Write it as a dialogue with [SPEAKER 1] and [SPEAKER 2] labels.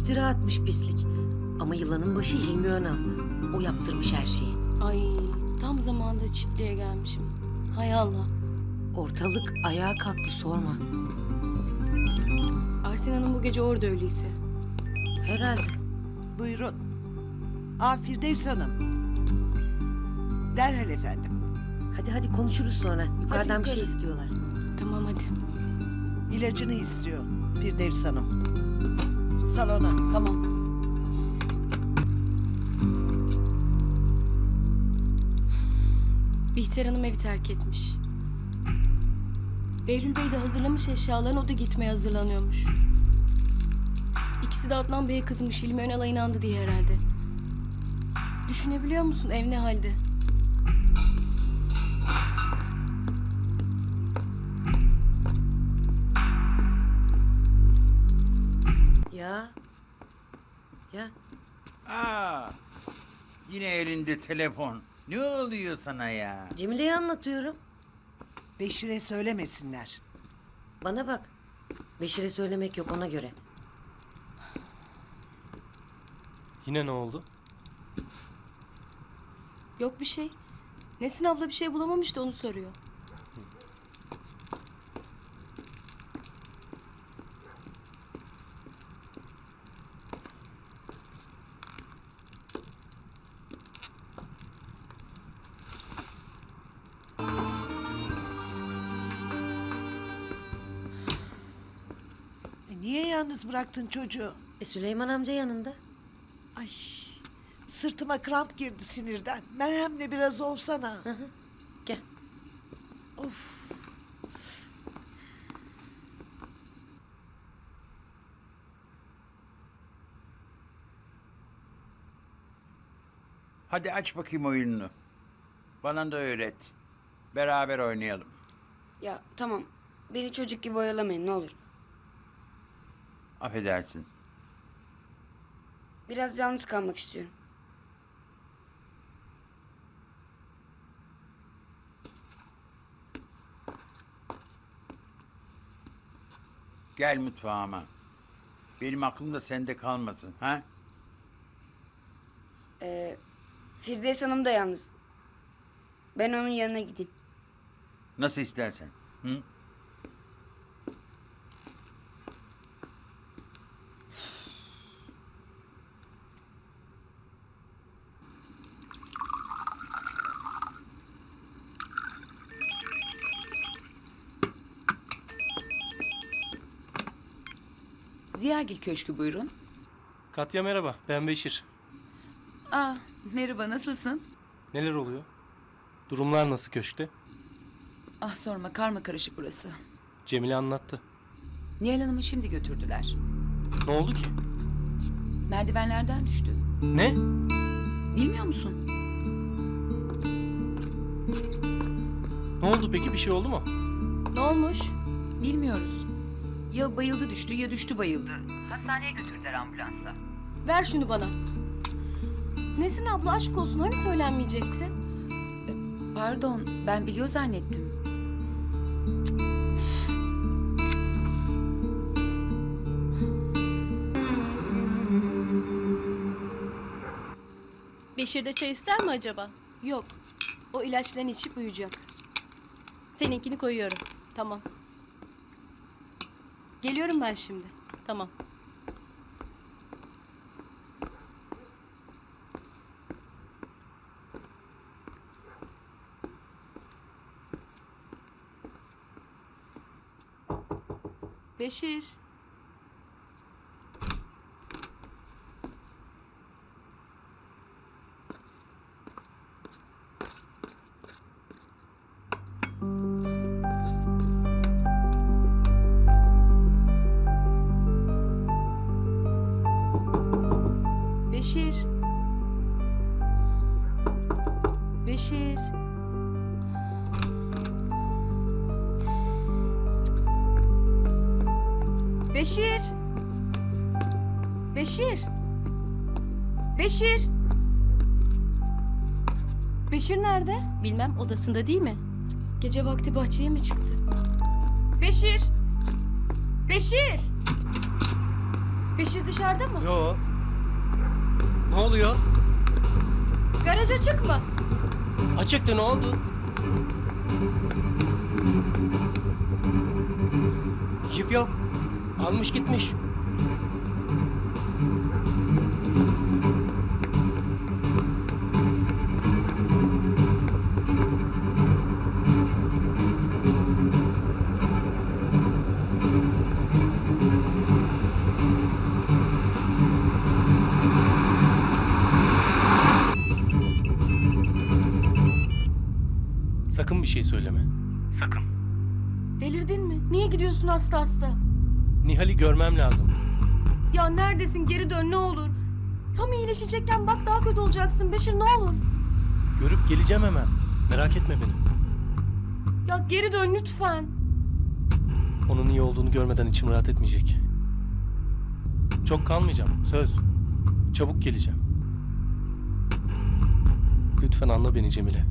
[SPEAKER 1] İftira atmış pislik. Ama yılanın başı Hilmi Önal. O yaptırmış her şeyi.
[SPEAKER 2] Ay tam zamanında çiftliğe gelmişim. Hay Allah.
[SPEAKER 1] Ortalık ayağa kalktı sorma.
[SPEAKER 2] Arsen Hanım bu gece orada öyleyse.
[SPEAKER 1] Herhalde.
[SPEAKER 3] Buyurun. Firdevs Hanım. Derhal efendim.
[SPEAKER 1] Hadi konuşuruz sonra. Yukarıdan bir şey
[SPEAKER 3] yukarı.
[SPEAKER 1] istiyorlar.
[SPEAKER 2] Tamam hadi.
[SPEAKER 3] İlacını istiyor Firdevs Hanım. Salona.
[SPEAKER 2] Tamam. Bihter Hanım evi terk etmiş. Behlül Bey de hazırlamış eşyalarını, o da gitmeye hazırlanıyormuş. İkisi de Adnan Bey'e kızmış, Hilmi Önal'a inandı diye herhalde. Düşünebiliyor musun ev ne halde?
[SPEAKER 1] Ya. Ya.
[SPEAKER 4] Yine elinde telefon. Ne oluyor sana ya?
[SPEAKER 1] Cemile'ye anlatıyorum.
[SPEAKER 3] Beşir'e söylemesinler.
[SPEAKER 1] Bana bak. Beşir'e söylemek yok ona göre.
[SPEAKER 5] Yine ne oldu?
[SPEAKER 2] Yok bir şey. Nesin abla bir şey bulamamış da onu soruyor.
[SPEAKER 3] Niye yalnız bıraktın çocuğu?
[SPEAKER 1] Süleyman amca yanında.
[SPEAKER 3] Ay, sırtıma kramp girdi sinirden. Merhemle biraz olsana.
[SPEAKER 1] Gel.
[SPEAKER 3] Of.
[SPEAKER 4] Hadi aç bakayım oyununu. Bana da öğret. Beraber oynayalım.
[SPEAKER 6] Ya tamam. Beni çocuk gibi oyalamayın ne olur.
[SPEAKER 4] Affedersin.
[SPEAKER 6] Biraz yalnız kalmak istiyorum.
[SPEAKER 4] Gel mutfağıma. Benim aklım da sende kalmasın, ha?
[SPEAKER 6] Firdevs Hanım da yalnız. Ben onun yanına gideyim.
[SPEAKER 4] Nasıl istersen. Hı?
[SPEAKER 7] Ziyagil Köşkü buyurun.
[SPEAKER 5] Katya merhaba, ben Beşir.
[SPEAKER 7] Merhaba nasılsın?
[SPEAKER 5] Neler oluyor? Durumlar nasıl köşkte?
[SPEAKER 7] Sorma karma karışık burası.
[SPEAKER 5] Cemile anlattı.
[SPEAKER 7] Nihal Hanım'ı şimdi götürdüler.
[SPEAKER 5] Ne oldu ki?
[SPEAKER 7] Merdivenlerden düştü.
[SPEAKER 5] Ne?
[SPEAKER 7] Bilmiyor musun?
[SPEAKER 5] Ne oldu peki, bir şey oldu mu?
[SPEAKER 2] Ne olmuş?
[SPEAKER 7] Bilmiyoruz. Ya bayıldı düştü ya düştü bayıldı. Hastaneye götürdüler ambulansla.
[SPEAKER 2] Ver şunu bana. Nesin abla aşk olsun hani söylenmeyecekti?
[SPEAKER 7] Pardon ben biliyor zannettim.
[SPEAKER 8] Beşir de çay ister mi acaba?
[SPEAKER 2] Yok. O ilaçlarını içip uyuyacak.
[SPEAKER 8] Seninkini koyuyorum.
[SPEAKER 2] Tamam. Geliyorum ben şimdi.
[SPEAKER 8] Tamam.
[SPEAKER 2] Beşir. Beşir. Beşir. Beşir. Beşir. Beşir. Beşir nerede?
[SPEAKER 8] Bilmem, odasında değil mi?
[SPEAKER 2] Gece vakti bahçeye mi çıktı? Beşir. Beşir. Beşir dışarıda mı?
[SPEAKER 5] Yo. Ne oluyor?
[SPEAKER 2] Garaja çıkma.
[SPEAKER 5] Açıktı, ne oldu? Jip yok. Almış gitmiş. Sakın bir şey söyleme. Sakın.
[SPEAKER 2] Delirdin mi? Niye gidiyorsun hasta hasta?
[SPEAKER 5] Nihal'i görmem lazım.
[SPEAKER 2] Ya neredesin? Geri dön ne olur. Tam iyileşecekken bak daha kötü olacaksın Beşir ne olur.
[SPEAKER 5] Görüp geleceğim hemen. Merak etme beni.
[SPEAKER 2] Ya geri dön lütfen.
[SPEAKER 5] Onun iyi olduğunu görmeden içim rahat etmeyecek. Çok kalmayacağım, söz. Çabuk geleceğim. Lütfen anla beni Cemile.